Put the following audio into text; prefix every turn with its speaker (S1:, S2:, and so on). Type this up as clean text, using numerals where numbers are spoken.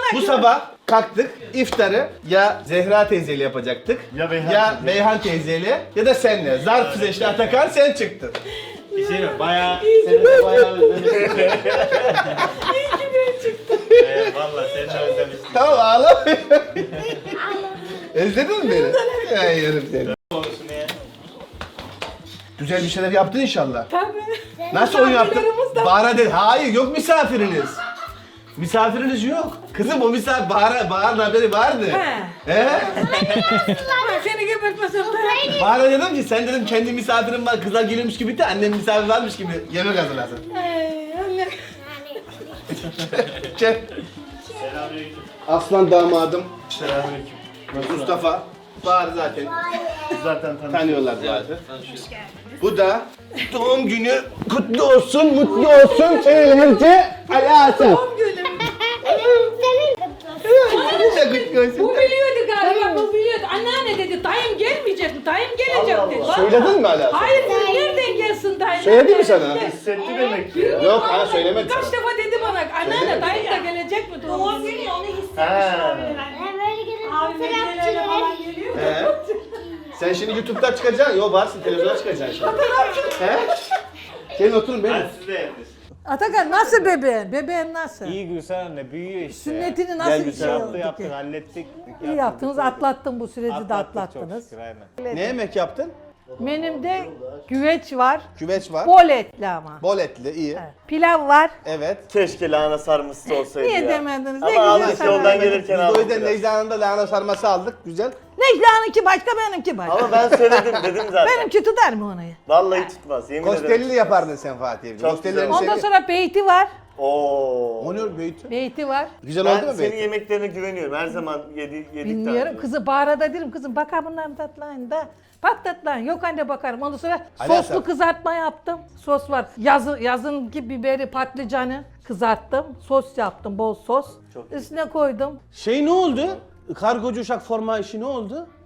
S1: Bu sabah kalktık iftarı ya Zehra teyzeyle yapacaktık ya Beyhan teyzeyle ya da senle. Zarf seçti Atakan, sen çıktın.
S2: Bir şey mi? Bayağı, seni de bayağı özlemiştim.
S3: İyi ki ben çıktım.
S2: Valla seni de özlemiştim.
S1: Tamam ağlama. Özledin mi beni? Ya yerim seni.
S2: Olsun ya.
S1: Güzel bir şeyler yaptın inşallah.
S3: Tabii.
S1: Nasıl oyun yaptın?
S3: Misafirlerimiz de-
S1: Bahara dedi. Hayır yok misafiriniz. Misafiriniz yok. Kızım o misafir Bahar'ın haberi vardı. He?
S3: Ben seni gebertmesem de.
S1: Bahar'a dedim ki sen dedim kendi misafirin var kızlar gelirmiş gibi de annem misafir varmış gibi yemek hazırlasın.
S3: Anne.
S1: Gel.
S2: Selamünaleyküm.
S1: Aslan damadım
S2: Selamünaleyküm.
S1: Mustafa. Bahar zaten
S2: Zaten
S1: tanıyorlar zaten. Bu da doğum günü kutlu olsun, mutlu olsun. Sevgili Ali Hasan.
S3: Doğum günüm.
S1: Sen kutlu olsun.
S3: Bu biliyordu galiba, bu biliyordu. Anneanne dedi, dayım gelmeyecek mi? Dayım gelecek
S2: Allah
S3: dedi.
S2: Allah.
S1: Söyledin mi Ali Hasan?
S3: Hayır, nereden gelsin dayım?
S1: Söyledi mi sana?
S2: Hissetti demek ki ya.
S1: Yok ha söylemedi
S3: Kaç
S1: sana.
S3: defa dedi bana, anneanne dayım da gelecek mi? Doğum günü onu
S2: Ha.
S1: He? Sen şimdi YouTube'dan çıkacaksın. Yo varsın televizyona çıkacaksın şimdi. He? Gelin oturun benim.
S2: Ben size yerdesin.
S4: Atakan nasıl bebeğin? Bebeğin nasıl?
S2: İyi Gülsen anne büyüyor işte.
S4: Sünnetini nasıl
S1: Gel
S4: bir
S1: Gülsen.
S4: şey
S2: Yaptı
S4: oldu
S2: yaptık
S4: ki?
S2: hallettik.
S4: İyi yaptınız, atlattın bu süreci de
S2: Atlattık çok
S4: atlattınız.
S2: şükür aynen.
S1: Ne yemek yaptın?
S4: Menümde güveç var,
S1: Küveç var.
S4: bol etli ama.
S1: Bol etli iyi.
S4: Evet. Pilav var.
S1: Evet.
S2: Keşke lahana sarması olsaydı
S4: Niye
S2: ya.
S4: demediniz? Ne
S2: Ama
S4: güzel
S2: aldık
S4: sarma.
S2: yoldan
S1: Biz
S2: gelirken
S1: de o
S2: aldık
S1: yüzden
S2: biraz.
S1: Necla'nın da lahana sarması aldık. Güzel.
S4: Necla'nınki başka, benimki başka.
S2: Ama ben söyledim dedim zaten.
S4: Benimki tutar mı onu?
S2: Vallahi tutmaz yemin ederim.
S1: Kostelli yapardın sen Fatih abi.
S2: Çok
S1: Kostellilerini
S2: güzel.
S4: Ondan
S1: seviyorum.
S4: sonra beyti var.
S2: Oo.
S1: O ne beyti?
S4: Beyti var.
S1: Güzel oldu
S2: Ben
S1: mu
S2: senin
S1: beyti?
S2: yemeklerine güveniyorum. Her zaman yedik
S4: Bilmiyorum. Kızı Bahar'a da derim, kızım bakar bunların tatlayın da. Bak tatlayın. Yok anne bakarım. Ondan sonra
S1: Ali
S4: soslu
S1: Hasan.
S4: kızartma yaptım. Sos var. Yazınki biberi, patlıcanı kızarttım. Sos yaptım, bol sos.
S2: Çok
S4: Üstüne koydum.
S1: Şey ne oldu? Kargocu uşak forma işi ne oldu?